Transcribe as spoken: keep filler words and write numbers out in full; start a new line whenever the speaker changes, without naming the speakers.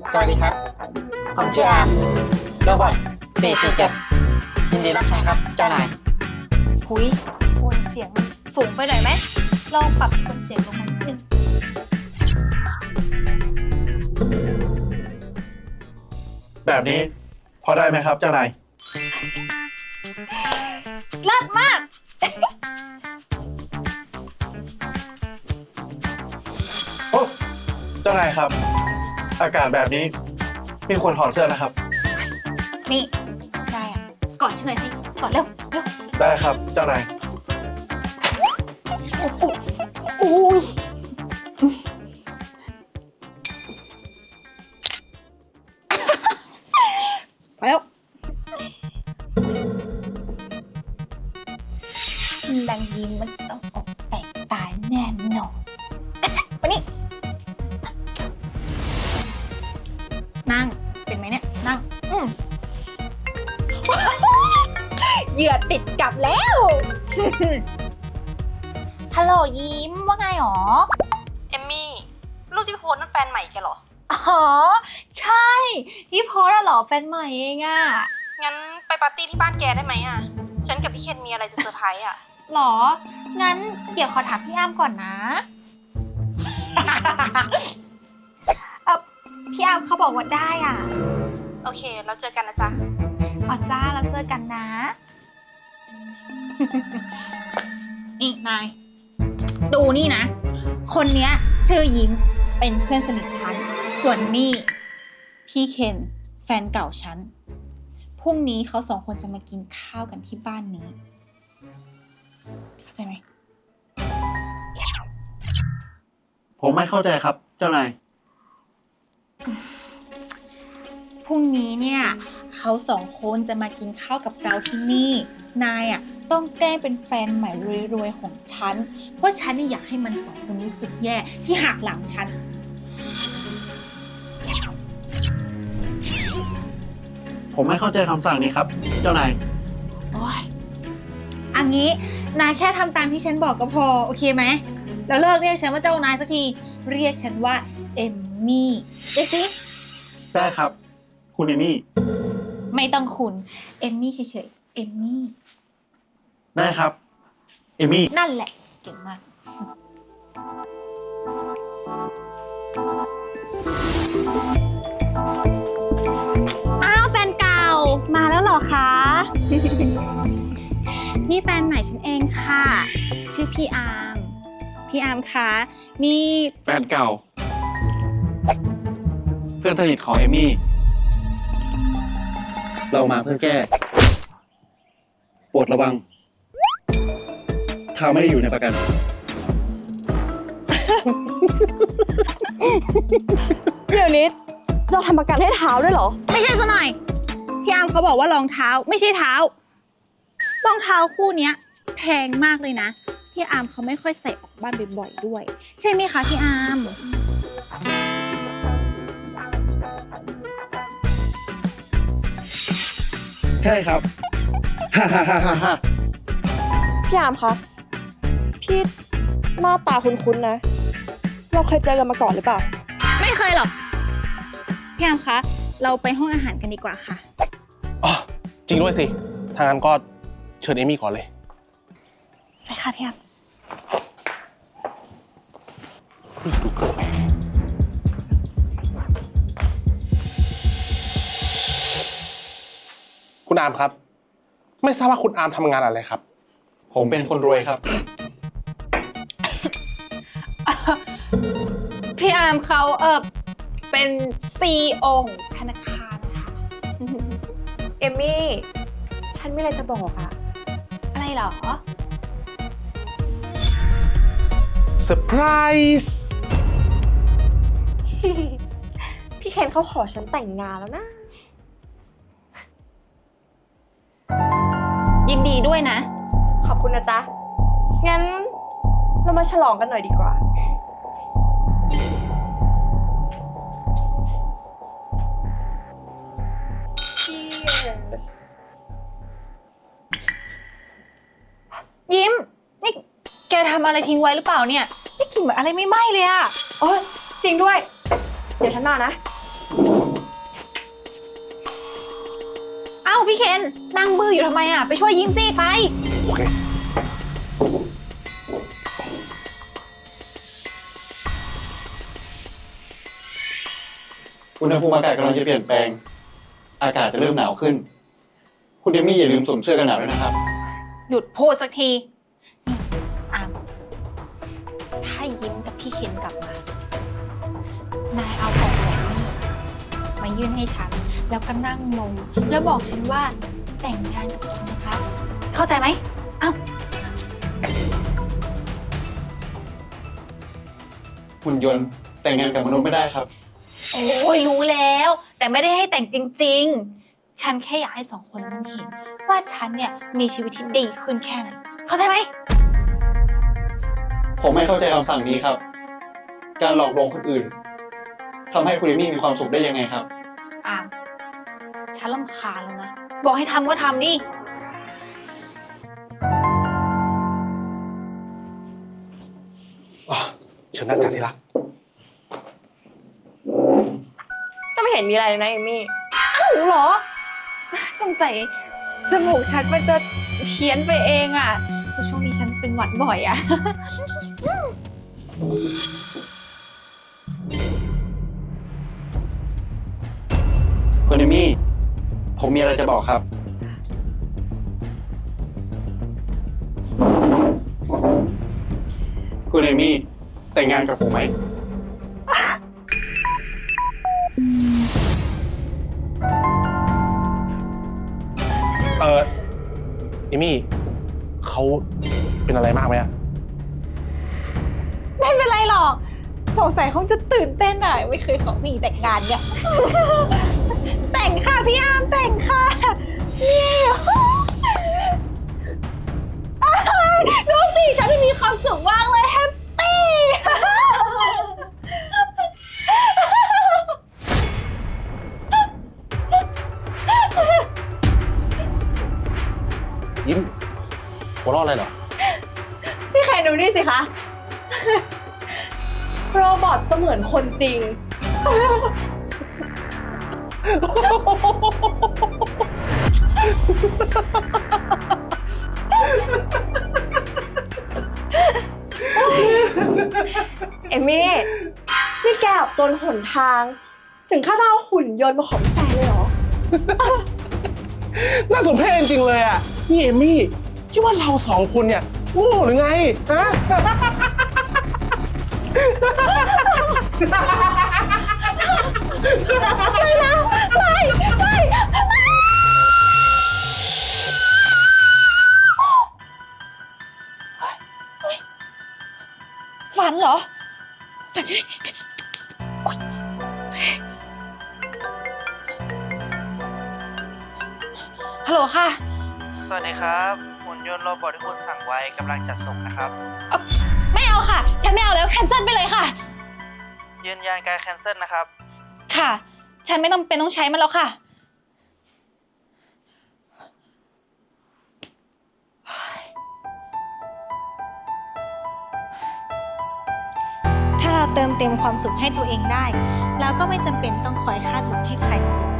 สวัสดีครับผมชื่ออาร์มโรบอทเบสสี่เจ็ดยินดีรับใช้ครับเจ้านาย
หุยโทนเสียงมันสูงไปหน่อยไหมลองปรับโทนเสียงลงมานิดนึง
แบบนี้พอได้ไหมครับเจ้านาย
เลิศมาก
โอ้เจ้านายครับอากาศแบบนี้มีคนถอดเสื้อนะครับ
นี่นายอ่ะกอดฉันหน่อยสิกอดเร็วเร็ว
ได้ครับเจ้านาย
โอ้โหอุ้ยไปแล้วนางยิ้มมันจะต้องออกแตกตายแน่นอนมานี่นั่งเป็นไหมเนี่ยนั่งอืมเหยื่อติดกลับแล้วฮัลโหลยิ้มว่าไงหรอ
เอมมี่รูปที่โพสนั่นแฟนใหม่แกเหรอ
อ๋อใช่ที่โพสเหรอแฟนใหม่เองอะ
งั้นไปปาร์ตี้ที่บ้านแกได้ไหมอะฉันกับพี่เคนมีอะไรจะเซอร์ไพรส์อะ
หรองั้นเดี๋ยวขอถามพี่อ้ำก่อนนะเออพี่อ้ำเขาบอกว่าได้อ่ะ
โอเคเราเจอกันนะจ๊ะ
อ๋อจ้าเราเจอกันนะนี่นายดูนี่นะคนเนี้ยชื่อยิ้มเป็นเพื่อนสนิทฉันส่วนนี่พี่เคนแฟนเก่าฉันพรุ่งนี้เขาสองคนจะมากินข้าวกันที่บ้านนี้เข้าใจไหม
ผมไม่เข้าใจครับเจ้านาย
พรุ่งนี้เนี่ยเขาสองคนจะมากินข้าวกับเราที่นี่นายอ่ะต้องแกล้งเป็นแฟนใหม่รวยๆของฉันเพราะฉันนี่อยากให้มันสองคนรู้สึกแย่ที่หักหลังฉัน
ผมไม่เข้าใจคำสั่งนี้ครับเจ้านาย
โอ๊ยอันนี้นายแค่ทำตามที่ฉันบอกก็พอโอเคไหมแล้วเลิกเรียกฉันว่าเจ้านายสักทีเรียกฉันว่าเอมมี่เรียกสิ
ได้ครับคุณเอมี่
ไม่ต้องคุณเอมมี่เฉยๆเอมมี่
ได้ครับเอมี่
นั่นแหละเก่งมาก
อ้าวแฟนเก่ามาแล้วเหรอคะ นี่แฟนใหม่ฉันเองค่ะชื่อพี่อาร์มพี่อาร์มคะนี่
แฟนเก่าเพื่อนสนิทของเอมี่เรามาเพื่อแก้โปรดระวังเท้าไม่ได้อยู่ในประกัน
เดี๋ยวนี้เราทำประกันให้เท้าด้วยเหรอไม่ใช่ซะหน่อยพี่อาร์มเขาบอกว่ารองเท้าไม่ใช่เท้ารองเท้าคู่นี้แพงมากเลยนะพี่อาร์มเขาไม่ค่อยใส่ออกบ้านบ่อยๆด้วยใช่ไหมคะพี่อาร์ม
ใช่ครับฮ่าฮ่าฮ่าฮ่าฮ่า
พี่อาร์มคะพี่หน้าตาคุ้นๆนะเราเคยเจอกันมาก่อนหรือเปล่าไม่เคยหรอกพี่อาร์มคะเราไปห้องอาหารกันดีกว่าค่ะ
อ๋อจริงด้วยสิทางนั้นก็เชิญเอมี่ก่อนเลย
ไปค่ะพี่อาร์ม
ดูเกินไปคุณอาร์มครับไม่ทราบว่าคุณอาร์มทำงานอะไรครับ
ผมเป็นคนรวยครับ
พี่อาร์มเขาเออเป็น ซี อี โอ ของธนาคารนะคะ
เอมมี่ฉันไม่อะไรจะบอกอะ
อะไรเหรอ
เซอร์ไพรส์
พี่เคนเขาขอฉันแต่งงานแล้วนะ
ยินดีด้วยนะ
ขอบคุณนะจ๊ะงั้นเรามาฉลองกันหน่อยดีกว่า
ยิ้มนี่แกทำอะไรทิ้งไว้หรือเปล่าเนี่ยนี่กลิ่นเหมือนอะไรไม่ไหม้เลยอะ
โอ้จริงด้วยเดี๋ยวฉันมานะ
าพี่เคนนั่งบื้ออยู่ทำไมอ่ะ ไปช่วยยิ้มสิไป
โอเค
อุณหภูมิอากาศกำลังจะเปลี่ยนแปลง อากาศจะเริ่มหนาวขึ้น คุณเดมี่อย่าลืมสวมเสื้อกันหนาวด้วยนะครับ
หยุดพูดสักที นี่อามถ้ายิ้มกับพี่เคนกลับมา นายเอากล่องแหวนนี่มายื่นให้ฉัน แล้วก็นั่งลง แล้วบอกฉันว่าแต่งงานกับฉันนะคะ เข้าใจไหม เอ้า
หุ่นยนต์แต่งงานกับมนุษย์ไม่ได้ครับ
โอ้ยรู้แล้ว แต่ไม่ได้ให้แต่งจริงๆ ฉันแค่อยากให้สองคนนั้นเห็น ว่าฉันเนี่ยมีชีวิตที่ดีขึ้นแค่ไหน เข้าใจไหม
ผมไม่เข้าใจคำสั่งนี้ครับ การหลอกลวงคนอื่นทำให้คุณเดมี่มีความสุขได้ยังไงครับ
อาม ฉันรำคาญแล้วนะ บอกให้ทำก็ทำดิ
อ๋อ เชิญนั่งจ้ะที่รัก
ก็ไม่เห็นมีอะไรเลยนะเอมี่อ้าวเหรอ
สงสัยจมูกฉันมันจะเพี้ยนไปเองอ่ะแต่ช่วงนี้ฉันเป็นหวัดบ่อยอ่ะ
คุณเดมี่ ผมมีอะไรจะบอกครับ คุณเดมี่แต่งงานกับผมไหม
เออเอมี่เขาเป็นอะไรมากไหมอะ
ไม่เป็นไรหรอก สงสัยคงจะตื่นเต้นอ่ะ ไม่เคยขอมีแต่งงานไง แต่งค่ะพี่อาร์มแต่งค่ะนี่ดูสิฉันมีความสุขมากเลยแฮปปี้
ยิ้มหัวเราะอะไรเหรอ
พี่แคนดูนี่สิคะ โรบอทเสมือนคนจริง เอมี่ นี่แกแบบจนหนทาง ถึงขั้นต้องเอาหุ่นยนต์มาขอเป็นแฟนเลยเหรอ
น่าสมเพชจริงๆเลยอ่ะ นี่เอมี่คิดว่าเราสองคนเนี่ยโง่หรือไง ฮะ
ฝันเหรอ ฝันใช่ไหมโอ๊ยฮัลโหลค่ะ
สวัสดีครับหุ่นยนต์โรบอทที่คุณสั่งไว้กำลังจัดส่งนะครับ
ไม่เอาค่ะ ฉันไม่เอาแล้ว แคนเซิลไปเลยค่ะ
ยืนยันการแคนเซิลนะครับ
ค่ะ ฉันไม่ต้องเป็นต้องใช้มันแล้วค่ะ
ถ้าเราเติมเต็มความสุขให้ตัวเองได้ เราก็ไม่จำเป็นต้องคอยคาดหวังให้ใครมาเติม